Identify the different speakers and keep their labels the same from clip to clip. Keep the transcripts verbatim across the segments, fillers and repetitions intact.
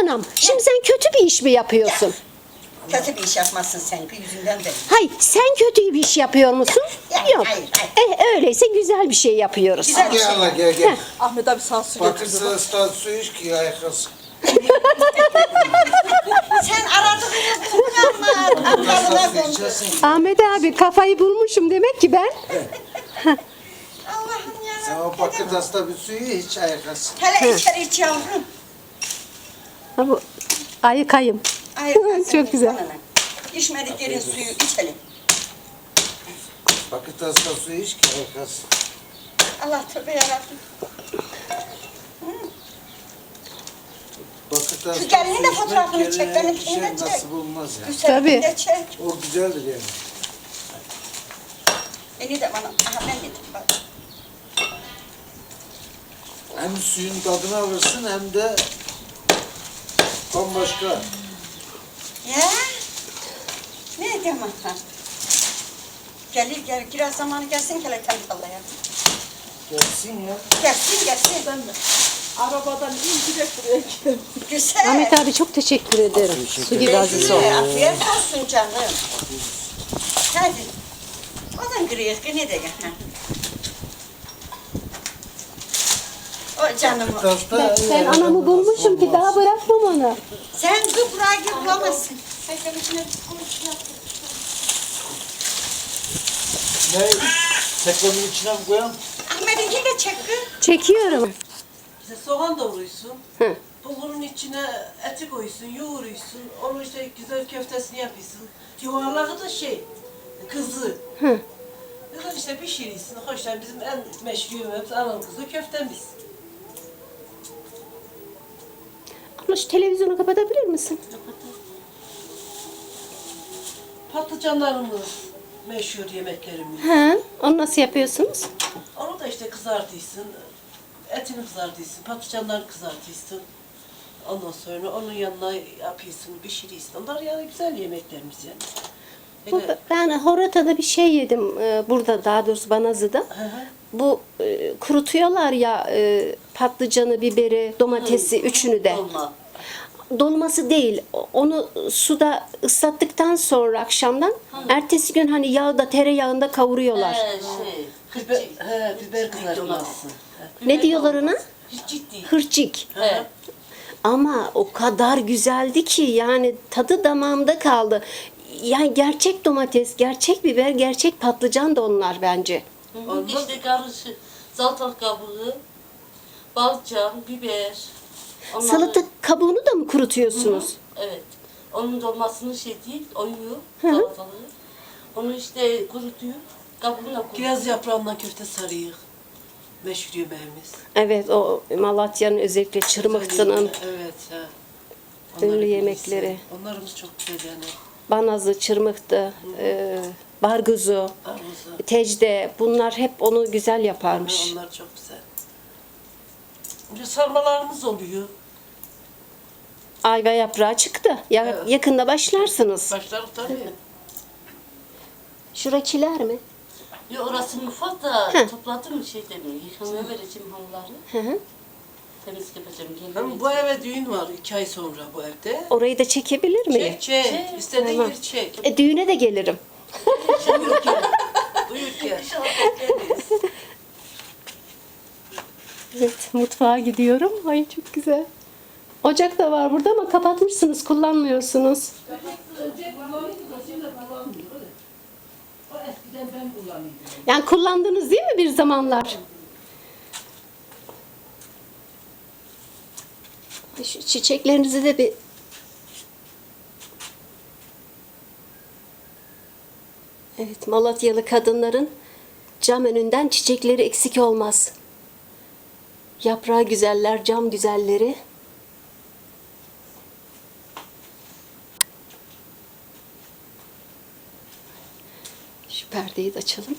Speaker 1: anam, şimdi sen kötü bir iş mi yapıyorsun?
Speaker 2: Kötü bir iş yapmazsın sen yüzünden de.
Speaker 1: Hayır, sen kötü bir iş yapıyor musun?
Speaker 2: Ya,
Speaker 1: Yok.
Speaker 2: hayır, hayır.
Speaker 1: Eh, öyleyse güzel bir şey yapıyoruz.
Speaker 2: Güzel bir
Speaker 3: Gel
Speaker 2: şey.
Speaker 3: hala gel gel.
Speaker 4: Ahmet abi sana su getirdi.
Speaker 3: Bakırsa stat su iç ki ayakası.
Speaker 2: Sen aradığını buldun ama Allah'ına
Speaker 3: Bakırsa su
Speaker 2: kondu.
Speaker 3: içersin.
Speaker 1: Ahmet abi kafayı bulmuşum demek ki ben.
Speaker 2: Allah'ım
Speaker 3: Sen
Speaker 2: yarabbim.
Speaker 3: o bakırda bir suyu iç ayakası.
Speaker 2: Hele içeri iç yavrum.
Speaker 1: Ha, bu ayıkayım.
Speaker 2: Ay,
Speaker 1: Çok güzel.
Speaker 2: İçmedik yerin suyu içelim.
Speaker 3: Bakırda su iç ki ayakası.
Speaker 2: Allah tövbe yarabbim.
Speaker 3: Bakırda
Speaker 2: Şu gelinin de fotoğrafını çek, benimkini
Speaker 3: şey
Speaker 2: de çek.
Speaker 3: nasip olmaz ya.
Speaker 2: Güzel
Speaker 1: Tabii.
Speaker 2: de çek.
Speaker 3: O güzeldir yani.
Speaker 2: Beni de bana. Aha ben getirdim bak.
Speaker 3: Hem suyun tadını alırsın hem de bambaşka.
Speaker 2: Ya. Ne diyeyim ha? Gelir gel, biraz zamanı gelsin hele tentallaya.
Speaker 3: Gelsin ya.
Speaker 2: Gelsin gelsin.
Speaker 4: Ben de arabadan in direkt buraya geldim.
Speaker 2: Güzel.
Speaker 1: Ahmet abi çok teşekkür ederim. Su gibi aziz ol.
Speaker 2: Ee, Afiyet olsun canım. Hadi. O da kırıyor, ne de gel. ha. O canım. o.
Speaker 3: Bakırda
Speaker 1: Ben anamı bulmuşum ki daha bırakmam onu.
Speaker 2: Sen kıprağı gibi bulamazsın.
Speaker 3: Ne? Teknenin içine mi koyalım?
Speaker 2: Ahmet'inki de çek kız.
Speaker 1: Çekiyorum.
Speaker 5: İşte soğan doğruyorsun.
Speaker 1: Hı.
Speaker 5: Bulgurun içine eti koyuyorsun, yoğuruyorsun. Onu işte güzel köftesini yapıyorsun. Yuvarlağı da şey, kızı.
Speaker 1: Hı.
Speaker 5: Kızı işte pişiriyorsun. Hoşlar bizim en meşhur yemeğimiz anan kızı köftemiz.
Speaker 1: Abla şu televizyonu kapatabilir misin?
Speaker 5: Patlıcanlarımız meşhur yemeklerimiz.
Speaker 1: He, onu nasıl yapıyorsunuz?
Speaker 5: Onu da işte kızartıyorsun. Etini kızartıyorsun, patlıcanları kızartıyorsun. Ondan sonra onun yanına yapıyorsun, pişiriyorsun. Onlar yani güzel yemeklerimiz yani.
Speaker 1: Bu,
Speaker 5: Hele,
Speaker 1: ben Horata'da bir şey yedim. e, Burada daha doğrusu Banazı'da.
Speaker 5: Hı hı.
Speaker 1: Bu e, kurutuyorlar ya e, patlıcanı, biberi, domatesi üçünü de.
Speaker 5: Dolma.
Speaker 1: Dolması değil. Onu suda ıslattıktan sonra akşamdan ertesi gün hani yağda, tereyağında kavuruyorlar.
Speaker 6: Ee, şey,
Speaker 5: Biber, he, biber kızartması.
Speaker 1: Ne diyorlar ona?
Speaker 5: Hiç ciddi.
Speaker 1: Hırçik.
Speaker 6: evet.
Speaker 1: Ama o kadar güzeldi ki yani tadı damağımda kaldı. Yani gerçek domates, gerçek biber, gerçek patlıcan da onlar bence.
Speaker 5: Olmaz.
Speaker 6: İşte karışık, salatalık kabuğu, balcan, biber. Onları-
Speaker 1: Salata kabuğunu da mı kurutuyorsunuz?
Speaker 6: Evet. Onun dolmasını şey değil, oyuyor
Speaker 1: Hı hı.
Speaker 6: salatalığı. Onu işte kurutuyor, kabuğunu da kurutuyor.
Speaker 5: Kiraz yaprağından köfte sarıyık. Meşhur yemeğimiz.
Speaker 1: Evet, o Malatya'nın özellikle Çırmıktı'nın
Speaker 5: Evet. He.
Speaker 1: ünlü
Speaker 5: Onların
Speaker 1: yemekleri.
Speaker 5: birisi. Onlarımız çok güzel yani.
Speaker 1: Banazı, Çırmıktı, e, Barguzu,
Speaker 5: Armuzu.
Speaker 1: Tecde bunlar hep onu güzel yaparmış.
Speaker 5: Onlar çok güzel. Bir sarmalarımız oluyor.
Speaker 1: Ayva yaprağı çıktı. Ya,
Speaker 5: Evet.
Speaker 1: Yakında başlarsınız.
Speaker 5: Başlarız tabii.
Speaker 1: Şura kiler mi?
Speaker 6: Ya orası mutfak da
Speaker 1: Hı.
Speaker 6: topladım şey demiyor. Yıkamaya vereceğim halıları.
Speaker 1: Hı hı.
Speaker 6: Temizlik yapacağım.
Speaker 5: Hem
Speaker 6: Yemeği.
Speaker 5: bu eve düğün var iki ay sonra bu evde.
Speaker 1: Orayı da çekebilir miyim?
Speaker 5: Çek çek.
Speaker 6: Çek.
Speaker 5: İstediğin
Speaker 1: Tamam.
Speaker 5: yeri çek.
Speaker 1: E, düğüne de gelirim.
Speaker 5: Buyur gel. Buyur gel.
Speaker 1: Evet, mutfağa gidiyorum. Ay çok güzel. Ocak da var burada ama kapatmışsınız, kullanmıyorsunuz. Yani kullandınız değil mi bir zamanlar? Şu çiçeklerinizi de bir... Evet, Malatyalı kadınların cam önünden çiçekleri eksik olmaz. Yaprağı güzeller, cam güzelleri. Şu perdeyi de açalım.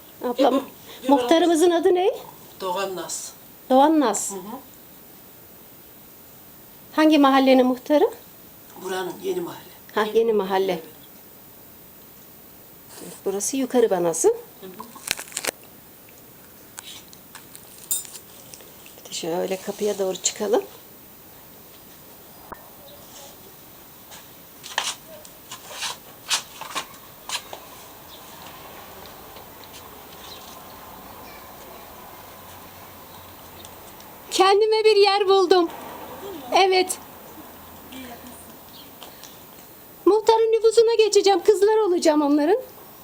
Speaker 1: Ablam, muhtarımızın adı ne?
Speaker 5: Doğan Naz.
Speaker 1: Doğan Naz.
Speaker 5: Hı hı.
Speaker 1: Hangi mahallenin muhtarı?
Speaker 5: Buranın yeni mahalle.
Speaker 1: Ha, yeni mahalle. Burası Yukarı Banası. Bir de şöyle kapıya doğru çıkalım. Kendime bir yer buldum. Evet. Muhtarın nüfusuna geçeceğim. Kızlar olacağım onların.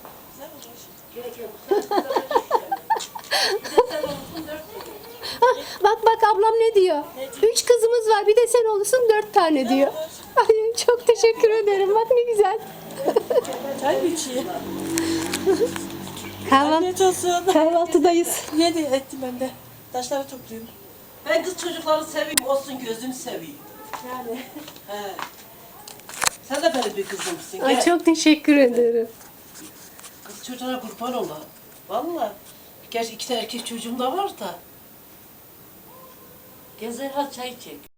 Speaker 1: Bak bak ablam ne diyor? Üç kızımız var, bir de sen olursun dört tane diyor. Ay, çok teşekkür ederim. Bak ne güzel.
Speaker 4: Çay mı içeyim?
Speaker 1: Kahvaltı,
Speaker 4: Afiyet olsun.
Speaker 1: kahvaltıdayız.
Speaker 4: Yedi ettim ben de. Taşları topluyorum.
Speaker 5: Ben kız çocukları seveyim, olsun gözünü seveyim.
Speaker 4: Yani.
Speaker 5: He. Sen de benim bir kızımsın.
Speaker 1: Ay,
Speaker 5: Gel.
Speaker 1: çok teşekkür ederim.
Speaker 5: Kız çocuğuna kurban ola. Vallahi. Gerçi iki tane erkek çocuğum da var da.
Speaker 6: Gezer ha çay çek.